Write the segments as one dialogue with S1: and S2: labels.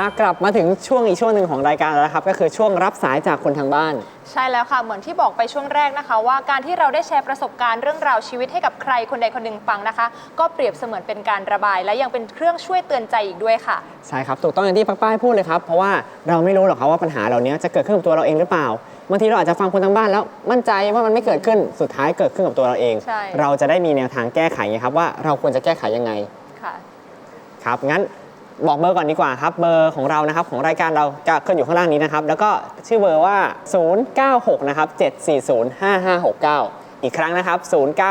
S1: กลับมาถึงช่วงอีกช่วงหนึ่งของรายการแล้วครับก็คือช่วงรับสายจากคนทางบ้าน
S2: ใช่แล้วค่ะเหมือนที่บอกไปช่วงแรกนะคะว่าการที่เราได้แชร์ประสบการณ์เรื่องราวชีวิตให้กับใครคนใดคนหนึ่งฟังนะคะก็เปรียบเสมือนเป็นการระบายและยังเป็นเครื่องช่วยเตือนใจอีกด้วยค่ะ
S1: ใช่ครับถูกต้องอย่างที่ป้ายพูดเลยครับเพราะว่าเราไม่รู้หรอกครับว่าปัญหาเหล่านี้จะเกิดขึ้นกับตัวเราเองหรือเปล่าบางทีเราอาจจะฟังคนทางบ้านแล้วมั่นใจว่ามันไม่เกิดขึ้นสุดท้ายเกิดขึ้นกับตัวเราเองเราจะได้มีแนวทางแก้ไขครับว่าเราควรจะแก้ไขยังไง
S2: ค่ะ
S1: ครับงั้นบอกเบอร์ก่อนดีกว่าครับเบอร์ของเรานะครับของรายการเราจะขึ้นอยู่ข้างล่างนี้นะครับแล้วก็ชื่อเบอร์ว่า096นะครับ7405569อีกครั้งนะครับ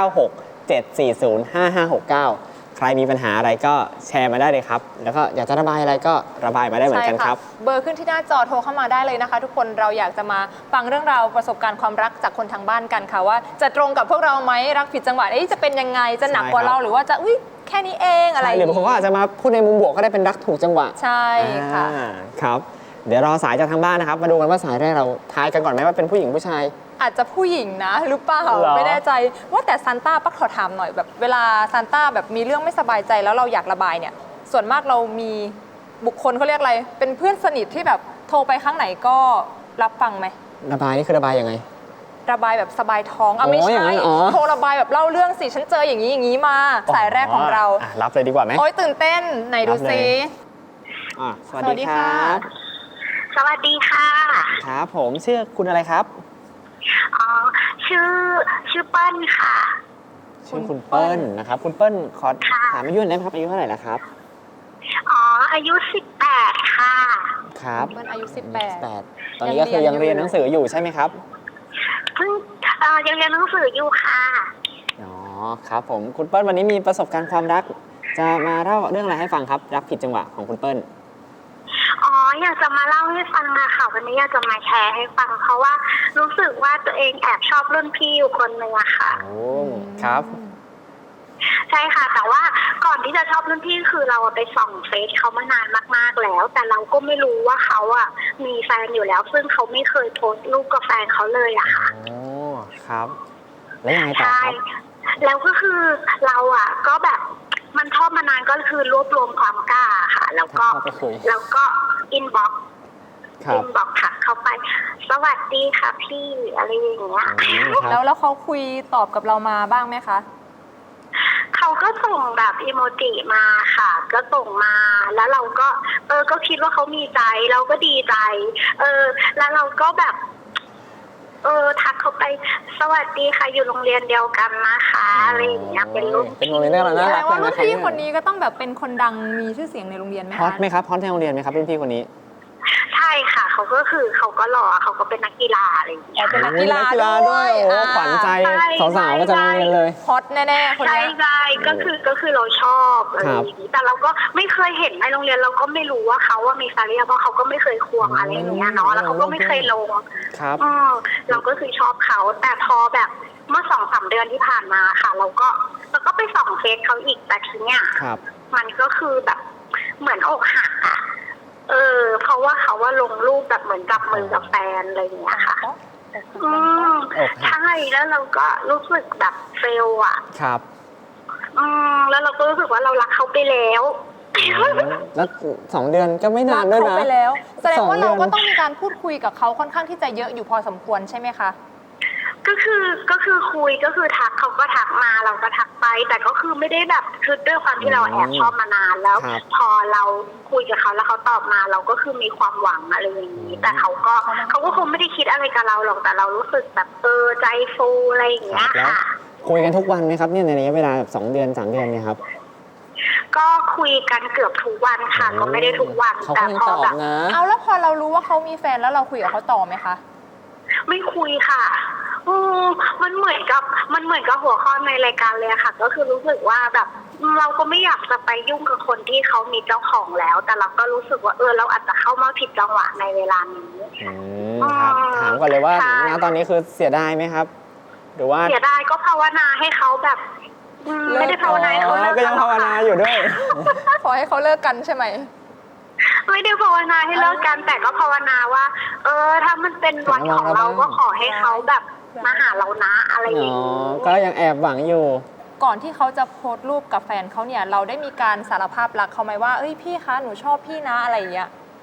S1: 096 740 5569ใครมีปัญหาอะไรก็แชร์มาได้เลยครับแล้วก็อยากจะระบายอะไรก็ระบายมาได้เหมือนกันครับ
S2: เบอร์ขึ้นที่หน้าจอโทรเข้ามาได้เลยนะคะทุกคนเราอยากจะมาฟังเรื่องราวประสบการณ์ความรักจากคนทางบ้านกันค่ะว่าจะตรงกับพวกเราไหมรักผิดจังหวะจะเป็นยังไงจะหนักกว่าเราหรือว่าจะแค่นี้เองอะไร
S1: หรือบางคนก็อาจจะมาพูดในมุมบวกก็ได้เป็นรักถูกจังหวะ
S2: ใช่ค่ะ
S1: ครับเดี๋ยวรอสายจากทางบ้านนะครับมาดูกันว่าสายแรกเราทายกันก่อนไหมว่าเป็นผู้หญิงผู้ชาย
S2: อาจจะผู้หญิงนะหรือเปล่าไม่แน่ใจว่าแต่ซานต้าปักขอถามหน่อยแบบเวลาซานต้าแบบมีเรื่องไม่สบายใจแล้วเราอยากระบายเนี่ยส่วนมากเรามีบุคคลเขาเรียกอะไรเป็นเพื่อนสนิทที่แบบโทรไปครั้งไหนก็รับฟังไหม
S1: ระบายนี่คือระบายยังไง
S2: ระบายแบบสบายท้องไม่ใช่โทรระบายแบบเล่าเรื่องสิฉันเจออย่างนี้มาสายแรกของเรา
S1: รับเลยดีกว่าไหม
S2: โอ๊ยตื่นเต้นไหนดูซิ
S1: สวัสดีครับ
S3: สวัสดีค่ะ
S1: ครับผมชื่อคุณอะไรครับ
S3: ชื่อเปิ้ลค่ะ
S1: ชื่อคุณเปิ้ลนะครับคุณเปิ้ลขอถามอายุหน่อยได้ไหมครับอายุเท่าไหร่แล้วครับ
S3: อายุ18ค่ะ
S1: ครับ
S2: เปิ้ลอายุ
S1: 18ตอนนี้ก็คือยังเรียนหนังสืออยู่ใช่ไหมครับ
S3: เพิ่งยังเรียนหนังสืออยู่ค่ะ
S1: ครับผมคุณเปิ้ลวันนี้มีประสบการณ์ความรักจะมาเล่าเรื่องอะไรให้ฟังครับรักผิดจังหวะของคุณเปิ้ล
S3: อยากจะมาเล่าให้ฟังค่ะวันนี้อยากจะมาแชร์ให้ฟังเพราะว่ารู้สึกว่าตัวเองแอบชอบรุ่นพี่อยู่คนหนึ่งอะค่ะ
S1: ครับ
S3: ใช่ค่ะแต่ว่าก่อนที่จะชอบรุ่นพี่คือเราไปส่องเฟซเขามานานมากๆแล้วแต่เราก็ไม่รู้ว่าเขาอะมีแฟนอยู่แล้วซึ่งเขาไม่เคยโพสต์รูปกับแฟนเขาเลยอะค่ะ
S1: ครับแล้วยังไงต่อครับ
S3: แล้วก็คือเราอะก็แบบมันชอบมานานก็คือรวบรวมความกล้าค่ะแล้วก็อินบ็อกค่ะเข้าไปสวัสดีค่ะพี่อะไรอย่างเงี้ย
S2: แล้วเขาคุยตอบกับเรามาบ้างไหมคะ
S3: เขาก็ส่งแบบอีโมจิมาค่ะก็ส่งมาแล้วเราก็ก็คิดว่าเขามีใจเราก็ดีใจแล้วเราก็แบบทักเขาไปสวัสดีค่ะอยู่โรงเรียนเดียวกันนะคะอะไรอย่างเงี้ยเป็นโ
S1: รงเรียนน่ารัก
S2: แปลว่ารุ่นพี่คนนี้ก็ต้องแบบเป็นคนดังมีชื่อเสียงในโรงเรียนไหมคะ
S1: ฮอตไหมครับฮอตในโรงเรียนไหมครับรุ่นพี่คนนี้
S3: ใช่ค่ะเขาก็หล่อเขาก็เป็นนักกีฬาอะไรอย่างเงี้ย
S2: เป็นนักกีฬาด้วย
S1: ขวัญใจสาวๆก็จะโรงเรียนเลย
S2: ฮอตแน่ๆคนนี้
S3: ใช่ก็คือเราชอบอะไรอย่างนี้แต่เราก็ไม่เคยเห็นในโรงเรียนเราก็ไม่รู้ว่าเขาว่ามีแฟนหรือยังเพราะเขาก็ไม่เคยควงอะไรอย่างเงี้ยเนาะแล้วเขาก็ไม่เคยลงเราก็คือชอบเขาแต่พอแบบเมื่อ 2-3 เดือนที่ผ่านมาค่ะเราก็ไปส่องเฟซเขาอีกแต่ทีเนี้ยมันก็คือแบบเหมือนอกหักอะเพราะว่าเขาว่าลงรูปแบบเหมือนจับมือกับแฟนอะไรอย่างเงี้ยค่ะใช่แล้วเราก็รู้สึกแบบเฟลอ่ะ
S1: ครับ
S3: แล้วเราก็รู้สึกว่าเรารักเขาไปแล้ว
S1: แล้ว2 เดือนก็ไม่นานด้วยนะ
S2: รักเขาไปแล้วแสดงว่าเราก็ต้องมีการพูดคุยกับเขาค่อนข้างที่จะเยอะอยู่พอสมควรใช่ไหมคะ
S3: ก็คือคุยก็คือทักเขาก็ทักมาเราก็ทักไปแต่ก็คือไม่ได้แบบคือด้วยความที่เราแอบชอบมานานแล้วพอเราคุยกับเขาแล้วเขาตอบมาเราก็คือมีความหวังอะไรอย่างนี้แต่เขาก็คงไม่ได้คิดอะไรกับเราหรอกแต่เรารู้สึกแบบใจฟูอะไรอย่างเงี้ยค่ะ
S1: คุยกันทุกวันไหมครับเนี่ยในระยะเวลาแบบ2 เดือน 3 เดือนเนี่ยครับ
S3: ก็คุยกันเกือบทุกวันค่ะก็ไม่ได้ทุกวันแต่พอแบบ
S2: แล้วพอเรารู้ว่าเขามีแฟนแล้วเราคุยกับเขาต่อไหมคะ
S3: ไม่คุยค่ะมันเหมือนกับหัวข้อในรายการเลยค่ะก็คือรู้สึกว่าแบบเราก็ไม่อยากจะไปยุ่งกับคนที่เขามีเจ้าของแล้วแต่เราก็รู้สึกว่าเราอาจจะเข้ามาผิดจังหวะในเวลานี้
S1: ครับถามก่อนเลยว่าณตอนนี้คือเสียดายไหมครับหรือว่า
S3: เสียดายก็ภาวนาให้เขาแบบไม่ได้ภาวนาเขา
S1: ก็ยังภาวนาอยู่ด้วย
S2: ขอให้เขาเลิกกันใช่ไหม
S3: ไม่ได้ภาวนาให้เลิกกันแต่ก็ภาวนาว่าถ้ามันเป็นวันของเราก็ขอให้เขาแบบมาหาเรานะอะไรอย่างนี้
S1: ก็ยังแอบหวังอยู่
S2: ก่อนที่เขาจะโพสต์รูปกับแฟนเขาเนี่ยเราได้มีการสารภาพรักเขาไหมว่าพี่คะหนูชอบพี่นะอะไรอย่างเงี้ย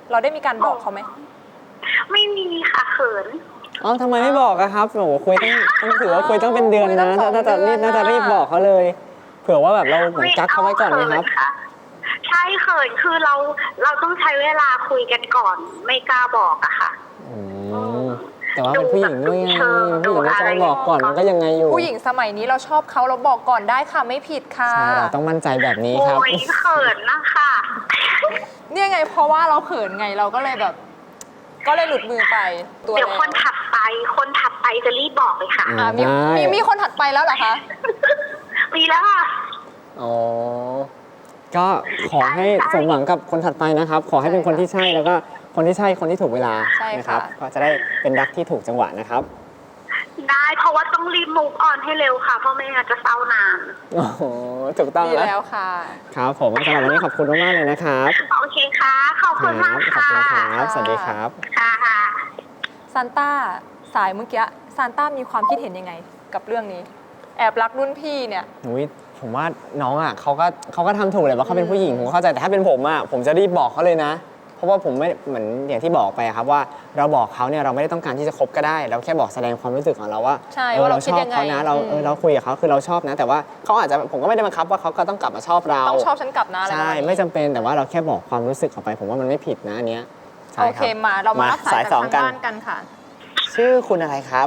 S2: เราได้มีการบอกเขาไหม
S3: ไม่มีค่ะเขิน
S1: อ๋อทำไมไม่บอกอะครับโอ้โหคุยต้องถือว่าคุยต้องเป็นเดือนนะ
S2: คุยตั้ง2 เดือน
S1: น่าจะรีบบอกเขาเลย เผื่อว่าแบบเราเหมือนกักเขาไว้ก่อนนะครับ
S3: ใช่เขินคือเราต้องใช้เวลาคุยกันก่อน ไม่กล้าบอกอะค่ะ
S1: อืมแต่ว่าเป็นผู้หญิงด้วยไงผู้หญิงก็จะบอกก่อนมันก็ยังไงอยู่
S2: ผู้หญิงสมัยนี้เราชอบเขาเราบอกก่อนได้ค่ะไม่ผิดค่ะ
S1: ใช่เราต้องมั่นใจแบบนี้ครับ
S3: โอ้ยเขินนะคะ
S2: เนี่ยไงเพราะว่าเราเขินไงเราก็เลยแบบ ก็เลยหลุดมือไปตัว
S3: เดี๋ยว
S2: แล้ว
S3: คนถัดไปจะรีบบอกเลยค่ะ
S2: มี
S1: ได้
S2: มีคนถัดไปแล้วเหรอคะ
S3: มีแล้วค่ะ
S1: อ๋อ ก็ขอให้สมหวังกับคนถัดไปนะครับ ขอให้เป็นคนที่ใช่แล้วก็คนที่ใช่คนที่ถูกเวลา
S2: ใช่ค่ะ
S1: นะครับ ก็จะได้เป็นรักที่ถูกจังหวะนะครับ
S3: ได้เพราะว่าต้องรีบมูฟออนให้เร็วค่ะ เพราะไม่งั้นจะเศร้านาน
S1: โอ้โหถูกต้อง
S2: ดี
S1: แล้ว
S2: แล้วค่ะ
S1: ครับผมสำหรับวันนี้ขอบคุณมากๆเลยนะครับ
S3: โอเคค่ะ ขอบ
S1: ค
S3: คุณ
S1: รั
S3: มาก
S1: ขอบ
S3: ค่ะ
S1: คุณครับสวัสดีครับ
S3: ค่ะ
S2: ซานต้าสายเมื่อกี้ซานต้ามีความคิดเห็นยังไงกับเรื่องนี้ แอบรักรุ่นพี่เนี่ย
S1: อุ๊ยผมว่าน้องอ่ะเขาก็ทำถูกเลยว่าเขาเป็นผู้หญิงผมเข้าใจแต่ถ้าเป็นผมอ่ะผมจะรีบบอกเขาเลยนะ เพราะว่าผมไม่เหมือนอย่างที่บอกไปอะครับว่าเราบอกเขาเนี่ยเราไม่ได้ต้องการที่จะคบก็ได้ เราแค่บอกแสดงความรู้สึกของเราว่า
S2: ใช่ว่าเราคิด
S1: ชอบ
S2: ยังไง
S1: เขานะเราคุยกับเขาคือเราชอบนะ แต่ว่าเขาอาจจะผมก็ไม่ได้บังคับว่าเขาก็ต้องกลับมาชอบเรา
S2: ต้องชอบฉันกลับนะอะไรประ
S1: ใช่
S2: มาณนี้
S1: ไม่จำเป็นแต่ว่าเราแค่บอกความรู้สึกออกไป ผมว่ามันไม่ผิดนะอันเนี้ยใช่
S2: โอ
S1: ค
S2: เครับ มาเรามารับสายจาก
S1: สอง
S2: ทาง
S1: กัน
S2: บ้านกันค่ะ
S1: ชื่อคุณอะไรครับ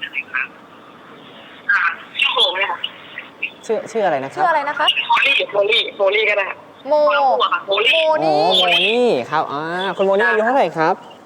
S3: ชื่อโหเลยค่ะ
S1: ชื่ออะไรนะครั
S2: ชื่ออะไรนะคะ
S3: โมลี่ก็ได้
S2: โม
S3: โมลี่
S2: โม
S1: โอ้
S2: นี่
S1: โมนี่ครับคุณโมนี่อายุเท่าไหร่ครับ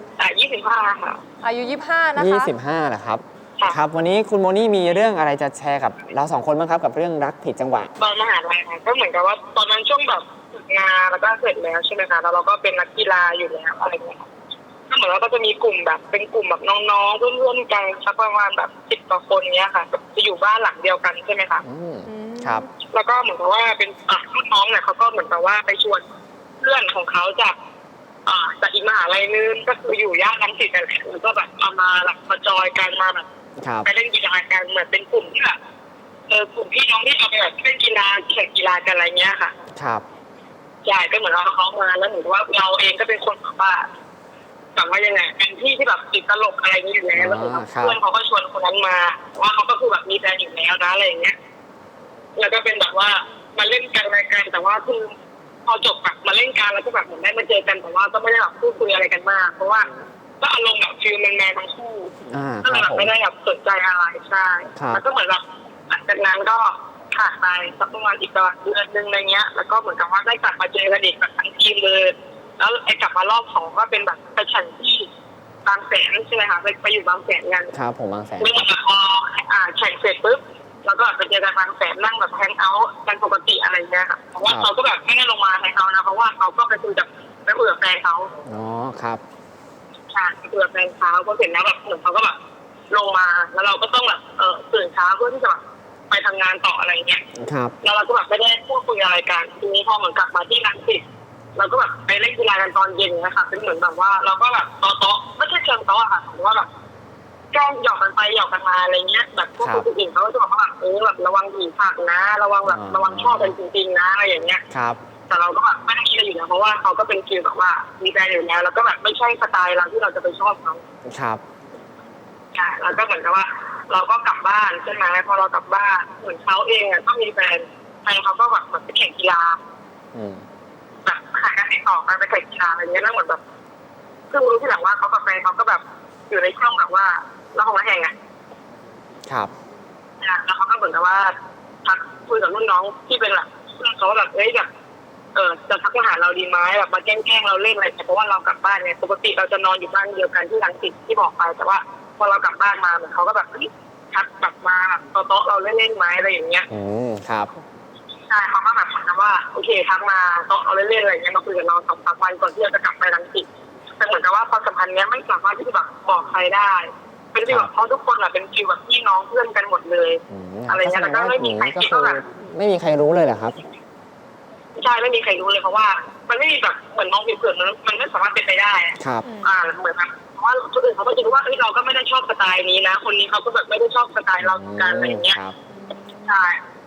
S3: 25ค่ะ
S2: อายุ25นะคะ
S1: 25เหรอครับ
S3: ค่ะ
S1: ครับ วันนี้คุณโมนี่มีเรื่องอะไรจะแชร์กับเราสองคนบ้างครับกับเรื่องรักผิดจังหวะ
S3: ตอนมหาลัยค่ะก็เหมือนกับว่าตอนนั้นช่วงแบบฝึกงานแล้วก็เสร็จแล้วใช่ไหมคะแล้วเราก็เป็นนักกีฬาอยู่แล้วอะไรเงี้ยก็เหมือนว่าก็จะมีกลุ่มแบบเป็นกลุ่มแบบน้องๆเพื่อนๆกันสักประมาณแบบ10 กว่าคนเนี้ยค่ะจะอยู่บ้านหลังเดียวกันใช่ไหมคะ
S1: ครับ
S3: แล้วก็เหมือนกับว่าเป็นรุ่นน้องเนี่ยเขาก็เหมือนกับว่าไปชวนเพื่อนของเขาจากอีกมหาลัยนึงก็คืออยู่ย่านรังสิตกันแหละแล้วก็แบบเอามาแบบมาจอยกันมาแบบ
S1: ครับ
S3: ไปเล่นกีฬากันเหมือนเป็นกลุ่มที่แบบกลุ่มพี่น้องที่เอาไปแบบเล่นกีฬาแข่งกีฬากันอะไรเงี้ยค่ะ
S1: ครับ
S3: ใช่ก็เหมือนเราเขามาแล้วเหมือนว่าเราเองก็เป็นคนแบบว่ายังไงเป็นที่ที่แบบติดตลกอะไรอย่างนี้อยู่แล้วแล้วเหมือนกับเพื่อนเขาก็ชวนคนนั้นมาว่าเขาก็คือแบบมีแฟนอยู่แล้วนะอะไรอย่างเงี้ยแล้วก็เป็นแบบว่ามาเล่นกันอะไรกันแต่ว่าคือพอจบแบบมาเล่นกันแล้วก็แบบเหมือนได้มาเจอกันแต่ว่าก็ไม่ได้แบบพูดคุยอะไรกันมากเพราะว่าก็อารมณ์แบบฟิลแมนๆทั้งคู่ก็
S1: ค
S3: เลย
S1: รับ
S3: แบบ
S1: ผม
S3: ไม่ได้แบบสนใจอะไรใช่แล้วก็เหมือนแบบหลังจากนั้นก็ผ่านไปสักประมาณอีกเดือนนึงอะไรเงี้ยแล้วก็เหมือนกับว่าได้กลับมาเจอกันอีกแบบทั้งทีมเลยแล้วไอ้กลับมารอบ2ก็เป็นแบบไปแข่งที่บางแสนใช่ไหมคะไปอยู่บางแสนกัน
S1: ครับผมบางแสน
S3: เมื่อพอแข่งเสร็จปุ๊บแล้วก็ไปเจอกันบางแสนนั่งแบบแฮงเอาท์กันปกติอะไรเงี้ยค่ะเพราะว่าเขาก็แบบไม่ได้ลงมาแฮงเอาท์นะเพราะว่าเขาก็ไปคุยกับแฟนเขา
S1: อ๋อครับ
S3: ใช่ไปคุยกับแฟนเขาพอเสร็จแล้วแบบเหมือนเขาก็แบบลงมาแล้วเราก็ต้องแบบตื่นเช้าเพื่อที่จะแบบไปทำงานต่ออะไรเงี้ย
S1: ครับ
S3: แล้วเราก็แบบไม่ได้พูดคุยอะไรกันทีนี้พอเหมือนกลับมาที่รังสิตเราก็แบบไปเล่นกีฬากันตอนเย็นนะคะเป็นเหมือนแบบว่าเราก็แบบโต๊ะไม่ใช่เชิงโต๊ะอะค่ะแต่ว่าแบบแกล้งหยอกกันไปหยอกกันมาอะไรเงี้ยแบบพวกคนอื่นเขาก็จะบอกว่าแบบแบบระวังผีผักนะระวังแบบระวังชอบกันจริงๆนะอะไรอย่างเงี้ย
S1: ครับ
S3: แต่เราก็แบบไม่ได้คิดอะไรอยู่นะเพราะว่าเขาก็เป็นฟีลแบบว่ามีแฟนอยู่แล้วแล้วก็แบบไม่ใช่สไตล์เราที่เราจะไปชอบเขา
S1: ครับ
S3: ใช่แล้วก็เหมือนกับว่า เราก็กลับบ้านใช่ไหมพอเรากลับบ้านเหมือนเขาเองอ่ะก็มีแฟนเขาก็แบบเหมือนไปแข่งกีฬา แบบหากันติดต่อกันไปแข่งกีฬาอะไรเงี้ยแล้วเหมือนแบบเพิ่งรู้ทีหลังว่าเขากับแฟนเขาก็แบบอยู่ในช่วงแบบว่าเราของแห่งอ่ะ
S1: ครับ
S3: แล้วเขาก็เหมือนกับว่าทักคุยกับรุ่นน้องที่เป็นแบบเพื่อนเขาแบบแบบจะทักมาหาเราดีไหมแบบมาแกล้งเราเล่นอะไรเพราะว่าเรากลับบ้านเนี่ยปกติเราจะนอนอยู่บ้านเดียวกันที่รังสิตที่บอกไปแต่ว่าพอเรากลับบ้านมาเหมือนเขาก็แบบทักแบบมาโต๊ะเราเล่นๆไหมอะไรอย่างเงี้ย
S1: ครับ
S3: ใช่เขาก็แบบเหมือนกับว่าโอเคทักมาโต๊ะเราเล่นๆอะไรเงี้ยมาคุยกับเรา2-3 วันก่อนที่เราจะกลับไปรังสิตแต่เหมือนกับว่าความสัมพันธ์เนี้ยไม่สามารถที่จะแบบบอกใครได้เป็นที่แบบเพราะทุกคนอะเป็นฟีลแบบพี่น้องเพื่อนกันหมดเลยอะไรเงี้ยแล้วก็ไม่มีใครคิดว่าแบบ
S1: ไม่มีใครรู้เลยเหรอครับ
S3: ใช่ไม่มีใครรู้เลยเพราะว่ามันไม่มีแบบเหมือนมองผิวเผินมันไม่สามารถเป็นไปได้
S1: ครับ
S3: เหมือนแบบเพราะว่าคนอื่นเขาก็จะรู้ว่าเราก็ไม่ได้ชอบสไตล์นี้นะคนนี้เขาก็แบบไม่ได้ชอบสไตล์เรากันอะไรอย่างเงี้ยใช่แ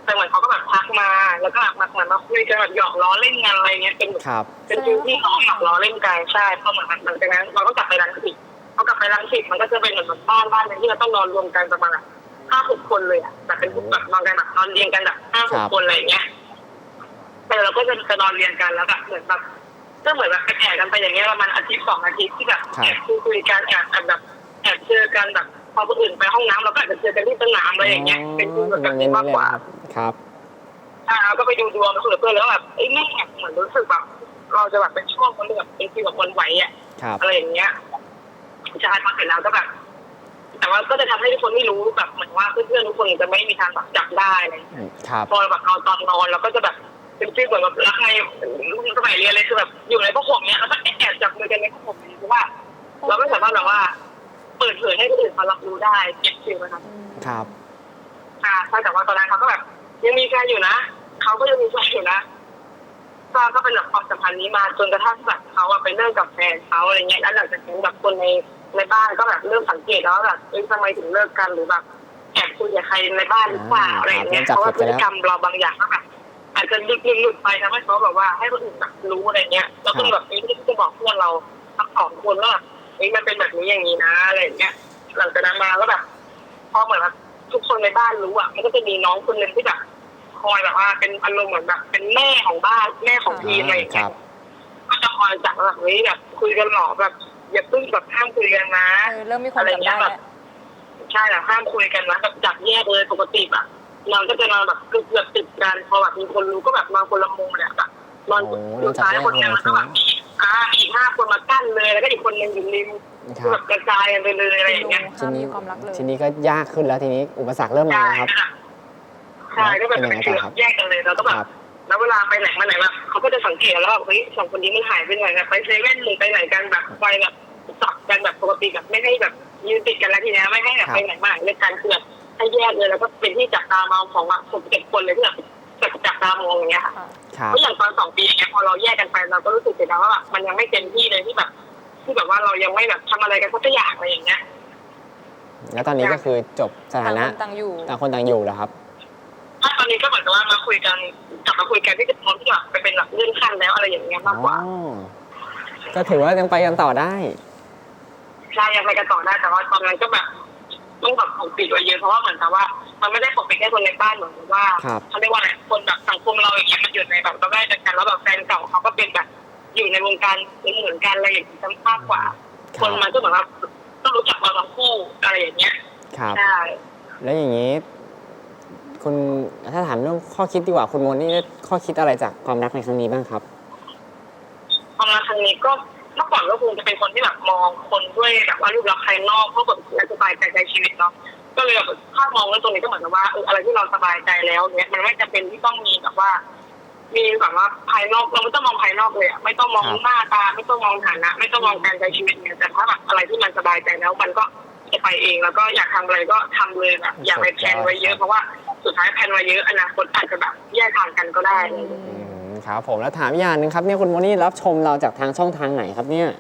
S4: แต่เหมือนเขาก็แบบทักมาแล้วก็แบบมาคุยกันแบบหยอกล้อเล่นกันอะไรเงี้ยเป็นฟิลที่เขาหยอกล้อเล่นกันใช่พอเหมือนมันจากนั้นเราก็กลับไปรังสิตพอกลับไปรังสิตมันก็จะเป็นเหมือนบ้านนึงที่เราต้องนอนรวมกันประมาณ5-6 คนเลยอ่ะแบบเป็นแบบนอนกันแบบนอนเรียงกันแบบ5-6 คนอะไรเงี้ยแต่เราก็จะนอนเรียงกันแล้วแบบเหมือนแบบก็เหมือนแบบแอบกันไปอย่างเงี้ยประมาณอาทิตย์2 อาทิตย์ที่แบบแอบคุยกันแอบเจอกันแบบพอคนอื่นไปห้องน้ำเราก็อาจจะเจอกันที่สนามอะไรอย่างเงี้ยเป็นแบบนี้มากกว่า
S1: ครับ
S4: เราก็ไปดูดวงคุยกับเพื่อนแล้วแบบแม่เหมือนรู้สึกแบบเราจะแบบเป็นช่วงคนแบบเป็นฟีลแบบคนไหวอ่ะอะไรอย่างเงี้ยใช่พอเสร็จแล้วก็แบบแต่ว่าก็จะทำให้ทุกคนไม่รู้แบบเหมือนว่าเพื่อนๆทุกคนจะไม่มีทางแบบจับได้อะไรพอแบบเราตอนนอนเราก็จะแบบเป็นฟีลแบบรักในสมัยเรียนเลยคือแบบอยู่ในผ้าห่มเนี้ยแล้วก็แอบจับมือกันในผ้าห่มเพราะว่าเราไม่สามารถแบบว่าเปิดเผยให้คนอื่นเขารับรู้ได้เก็บฟิลนะครับ
S1: ครับ
S4: ใช่แต่ว่าตอนนั้นเขาก็แบบยังมีแฟนอยู่นะเขาก็ยังมีแฟนอยู่นะก็เป็นแบบความสัมพันธ์นี้มาจนกระทั่งแบบเขาไปเลิกกับแฟนเขาอะไรเงี้ยแล้วหลังจากนั้นแบบคนในบ้านก็แบบเริ่มสังเกตแล้วแบบทำไมถึงเลิกกันหรือแบบแอบคุยกับใครในบ้านหรือเปล่าอะไรเงี้ยเพราะว่าพฤติกรรมเราบางอย่างก็แบบอาจจะหลุดไปทำให้เขาแบบว่าให้คนอื่นแบบรู้อะไรเงี้ยแล้วก็แบบที่จะบอกเพื่อนเราทั้ง2 คนว่ามันเป็นแบบนี้อย่างนี้นะอะไรเงี้ยหลังจากนั้นมาก็แบบพอเหมือนแบบทุกคนในบ้านรู้อ่ะมันก็จะมีน้องคนนึงที่แบบคอยแบบว่าเป็นอารมณ์เหมือนแบบเป็นแม่ของบ้านแม่ของทีมอะไรอย่างเงี้ยก็จะคอยจับแบบแบบคุยกันหรอแบบอย่าเพิ่งแบบห้ามคุยกันนะ
S2: เริ่มมีคนจับได้แล้ว
S4: ใช่ห้ามคุยกันนะแบบจับแยกเลยปกติแบบนอนก็จะนอนแบบเกือบติดกันพอแบบมีคนรู้ก็แบบนอนคนละมุมเนี่ยแบบนอนอยู่ซ้ายคนนึงแล้วก็แบบอีก5 คนมากั้นเลยแล้วก็อีกคนนึงอยู่ริมแบบกระจายกันไปเลยอะไรอย่างเงี้ย
S1: ทีนี้ก็ยากขึ้นแล้วทีนี้อุปสรรคเริ่มมาแล้วครับ
S4: ใช่ก็แบบแยกกันเลยเราก็แบบแล้วเวลาไปไหนมาไหนแบบเขาก็จะสังเกตแล้วว่า2 คนนี้มันหายไปไหนแบบไปเซเว่นหรือไปไหนกันแบบไปแบบจับกันแบบปกติแบบไม่ให้แบบยืนติดกันแล้วทีนี้ไม่ให้แบบไปไหนมาไหนเลยกันคือแบบให้แยกเลยแล้วก็เป็นที่จับตามองของ7 คนเลยที่แบบจับตามองอย่างเงี้ยค่ะเพราะอย่างตอน2 ปีอย่างเงี้ยพอเราแยกกันไปเราก็รู้สึกเสียดายว่าแบบมันยังไม่เต็มที่เลยที่แบบว่าเรายังไม่แบบทำอะไรกันสักอย่างอะไรอย่างเงี้ย
S1: แล้วตอนนี้ก็คือจบสถานะ
S2: ต่าง
S1: คนต่างอยู่แล้วครับ
S4: ตอนนี้ก็เหมือนกับว่ามาคุยกันกลับมาคุยกันที่จะพร้อมที่จะไปเป็นแบบเลื่อนขั้นแล้วอะไรอย่างเงี้ยมากกว่า
S1: ก็ถือว่ายังไปกันต่อได้
S4: ใช่ยังไปกันต่อได้แต่ว่าตอนนั้นก็แบบต้องแบบปกปิดไว้เยอะเพราะว่าเหมือนกับว่ามันไม่ได้ปกปิดแค่คนในบ้านเหมือนว่าเขาเรียกว่าอะไรคนแบบสังคมเราอย่างเงี้ยมันอยู่ในแบบเราได้กันแล้วแบบแฟนเก่าเขาก็เป็นแบบอยู่ในวงการเหมือนกันอะไรอย่างเงี้ยมากกว่าคนมันก็เหมือนว่าต้องรู้จักเราทั้งคู่อะไรอย่างเงี้ยใช่
S1: แล้วอย่างนี้คุณถ้าถามเรื่องข้อคิดดีกว่าคุณโมนี่ข้อคิดอะไรจากความรักในครั้งนี้บ้างครับ
S4: ความรักครั้งนี้ก็เมื่อก่อนก็คงจะเป็นคนที่แบบมองคนด้วยแบบว่ารูปลักษณ์ภายนอกเพราะแบบสบายใจในชีวิตเนาะก็เลยแบบถ้ามองเรื่องตรงนี้ก็เหมือนกับว่าอะไรที่เราสบายใจแล้วเนี้ยมันไม่จำเป็นที่ต้องมีแบบว่ามีแบบว่าภายนอกเราไม่ต้องมองภายนอกเลยไม่ต้องมองหน้าตาไม่ต้องมองฐานะไม่ต้องมองการใช้ชีวิตเนี่ยแต่ถ้าแบบอะไรที่มันสบายใจแล้วมันก็จะไปเองแล้วก็อยากทำอะไรก็ทำเลยแบบอย่าไปแพลนไว้เยอะเพราะว่าสุดท้ายแพลนไว้เยอะอนาคตอาจจะแบบแยกทางกันก็ได้
S1: ครับผมแล้วถามอย่างนึงครับเนี่ยคุณโมนี่รับชมเราจากทางช่องทางไหนครับเนี่ย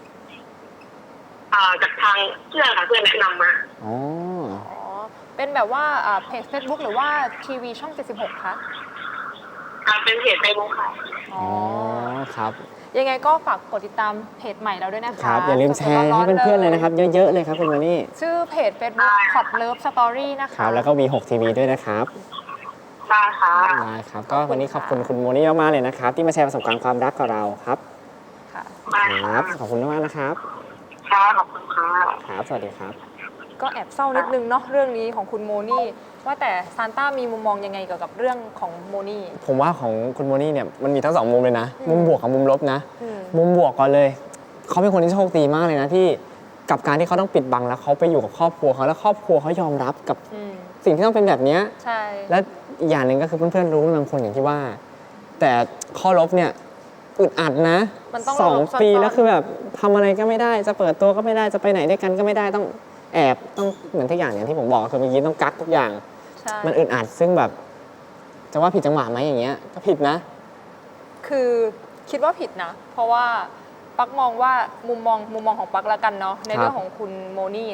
S4: จากทางเพื่อนค่ะเพื่อนแนะนำมา
S1: อ๋อ
S2: เป็นแบบว่าเพจ Facebook หรือว่าทีวีช่อง76คะ
S4: เป็นเพจเฟซบุ๊กค่ะ
S1: อ๋อครับ
S2: ยังไงก็ฝากกดติดตามเพจใหม่เราด้วยนะคะ
S1: ครับอย่าลืมแชร์ให้เพื่อนๆเลยนะครับเยอะๆเลยครับคุณโมนี่
S2: ชื่อเพจ Facebook Hot Love Story นะคะ
S1: ครับแล้วก็มี6 TV ด้วยนะครับ
S4: ได้ค่ะ
S1: ได้ครับก็วันนี้ขอบคุณคุณโมนี่มากๆเลยนะครับที่มาแชร์ประสบการณ์ความรักกับเราครับครับขอบคุณมากนะครับ
S4: ค่ะขอบคุณค่ะ
S1: ครับสวัสดีครับ
S2: ก็แอบเศร้านิดนึงเนาะเรื่องนี้ของคุณโมนี่ว่าแต่ซานต้ามีมุมมองยังไงเกี่ยวกับเรื่องของโมนี่
S1: ผมว่าของคุณโมนี่เนี่ยมันมีทั้ง2 มุมเลยนะมุมบวกกับมุมลบนะมุมบวกก่อนเลยเขาเป็นคนที่โชคดีมากเลยนะที่กับการที่เขาต้องปิดบังแล้วเขาไปอยู่กับครอบครัวเขาแล้วครอบครัวเขายอมรับกับสิ่งที่ต้องเป็นแบบนี้
S2: ใช่
S1: และอีกอย่างหนึ่งก็คือเพื่อนๆรู้บางคนอย่างที่ว่าแต่ข้อลบเนี่ยอึดอัดนะ2 ปีแล้วคือแบบทำอะไรก็ไม่ได้จะเปิดตัวก็ไม่ได้จะไปไหนด้วยกันก็ไม่ได้ต้องแอบต้องเหมือนทุกอย่างที่ผมบอกคือเมื่อกี้ต้องกักทุกอย่างมันอึดอัดซึ่งแบบจะว่าผิดจังหวะไหมอย่างเงี้ยก็ผิดนะ
S2: คือคิดว่าผิดนะเพราะว่าปักมองว่ามุมมองของปักละกันเนาะในเรื่องของคุณโมนี่เนี่ย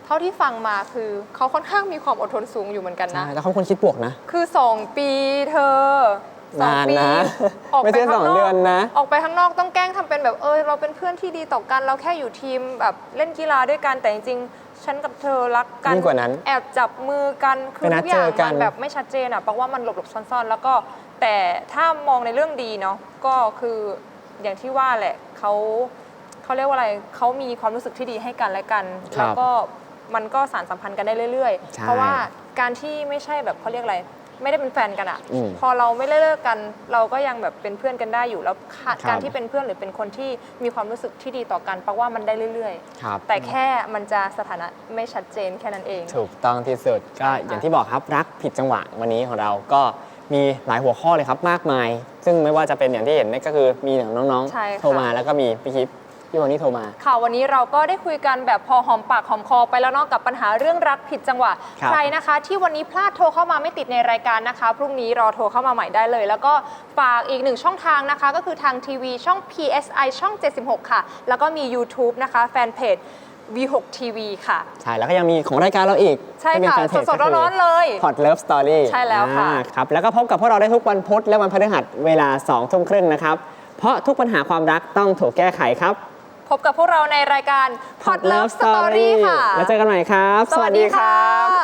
S2: เท่าที่ฟังมาคือเขาค่อนข้างมีความอดทนสูงอยู่เหมือนกันนะ
S1: ใช่แล้วเขาเป็นคนคิดบวกนะ
S2: คือ 2 ปีเธอ
S1: นานนะ
S2: ออก
S1: ไม่
S2: ไป
S1: ใช่
S2: ข้างน
S1: 2 เดื
S2: อ
S1: อก นนะ
S2: ออกไปข้างนอกต้องแกล้งทำเป็นแบบเราเป็นเพื่อนที่ดีต่อกันเราแค่อยู่ทีมแบบเล่นกีฬาด้วยกันแต่จริงๆฉันกับเธอรักกัน
S1: ยิ่งกว่านั้น
S2: แอบจับมือกันคือ
S1: ไปนัด
S2: ทุกอย่าง
S1: เจอกัน
S2: มันแบบไม่ชัดเจนอ่ะเพราะว่ามันหลบๆซ่อนๆ แล้วก็แต่ถ้ามองในเรื่องดีเนาะก็คืออย่างที่ว่าแหละเขาเรียกว่าอะไรเขามีความรู้สึกที่ดีให้กันและกัน แล้วก็มันก็สานสัมพันธ์กันได้เรื่อยๆ เพราะว่าการที่ไม่ใช่แบบเขาเรียกอะไรไม่ได้เป็นแฟนกันอะพอเราไม่ได้เลิกกันเราก็ยังแบบเป็นเพื่อนกันได้อยู่แล้วการที่เป็นเพื่อนหรือเป็นคนที่มีความรู้สึกที่ดีต่อกันแปลว่ามันได้เรื่อย
S1: ครับ
S2: ๆ แต่แค่มันจะสถานะไม่ชัดเจนแค่นั้นเอง
S1: ถูกต้องที่สุดก็อย่างที่บอกครับรักผิดจังหวะวันนี้ของเราก็มีหลายหัวข้อเลยครับมากมาย ซึ่งไม่ว่าจะเป็นอย่างที่เห็นนี่ก็คือมีน้อง
S2: ใช่ค่ะ
S1: ๆโทรมาแล้วก็มีพี่คิปพี่วันนี้โทรมา
S2: ค่ะวันนี้เราก็ได้คุยกันแบบพอหอมปากหอมคอไปแล้วเนอกกับปัญหาเรื่องรักผิดจังหวะ
S1: ครับ
S2: ใครนะคะ ที่วันนี้พลาดโทรเข้ามาไม่ติดในรายการนะคะ พรุ่งนี้รอโทรเข้ามาใหม่ได้เลย แล้วก็ฝากอีก1ช่องทางนะคะ ก็คือทางทีวีช่อง PSI ช่อง 76 ค่ะ แล้วก็มี YouTube นะคะแฟนเพจ V6 TV ค่ะ
S1: ใช่แล้วก็ยังมีของรายการเราอีก
S2: ใช่
S1: ที่เป็น
S2: ค่ะ
S1: แฟนเพจ
S2: สดๆร้อนๆเลย
S1: พอดเลิฟสตอรี่
S2: ใช่แล้วค่ะ
S1: ครับแล้วก็พบกับพวกเราได้ทุกวันพุธและวันพฤหัสเวลา 2 ทุ่มครึ่งนะครับเพราะทุกปัญหาความรักต้องถูกแก้ไขครับ
S2: พบกับพวกเราในรายการ Hot Love Story ค่ะ
S1: แล้วเจอกันใหม่ครับ
S2: สวัสดีค่ะ